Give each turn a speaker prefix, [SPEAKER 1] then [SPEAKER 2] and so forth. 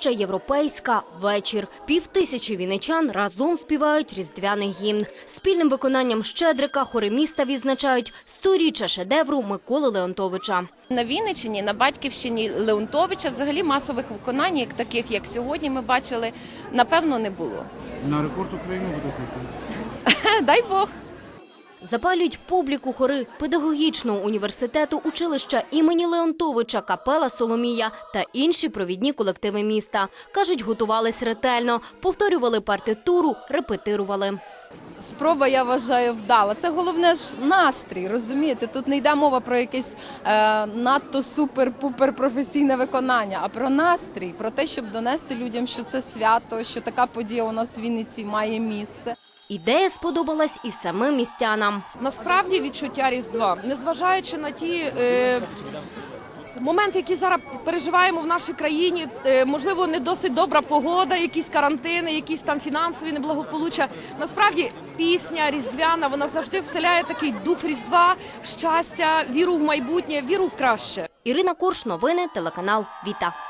[SPEAKER 1] Площа Європейська. Вечір. 5000 вінничан разом співають різдвяний гімн. Спільним виконанням Щедрика хори міста відзначають 100-річчя шедевру Миколи Леонтовича.
[SPEAKER 2] На Вінниччині, на батьківщині Леонтовича взагалі масових виконань, таких як сьогодні ми бачили, напевно, не було.
[SPEAKER 3] На рекорд України буде йти.
[SPEAKER 2] Дай Бог.
[SPEAKER 1] Запалюють публіку хори педагогічного університету, училища імені Леонтовича, капела «Соломія» та інші провідні колективи міста. Кажуть, готувались ретельно, повторювали партитуру, репетирували.
[SPEAKER 4] Спроба, я вважаю, вдала. Це головне ж настрій, розумієте? Тут не йде мова про якесь надто супер-пупер професійне виконання, а про настрій, про те, щоб донести людям, що це свято, що така подія у нас в Вінниці має місце.
[SPEAKER 1] Ідея сподобалась і самим містянам.
[SPEAKER 5] Насправді відчуття Різдва, незважаючи на ті моменти, які зараз переживаємо в нашій країні, можливо, не досить добра погода, якісь карантини, якісь там фінансові неблагополуччя. Насправді пісня різдвяна, вона завжди вселяє такий дух Різдва, щастя, віру в майбутнє, віру в краще.
[SPEAKER 1] Ірина Корш, новини, телеканал «Віта».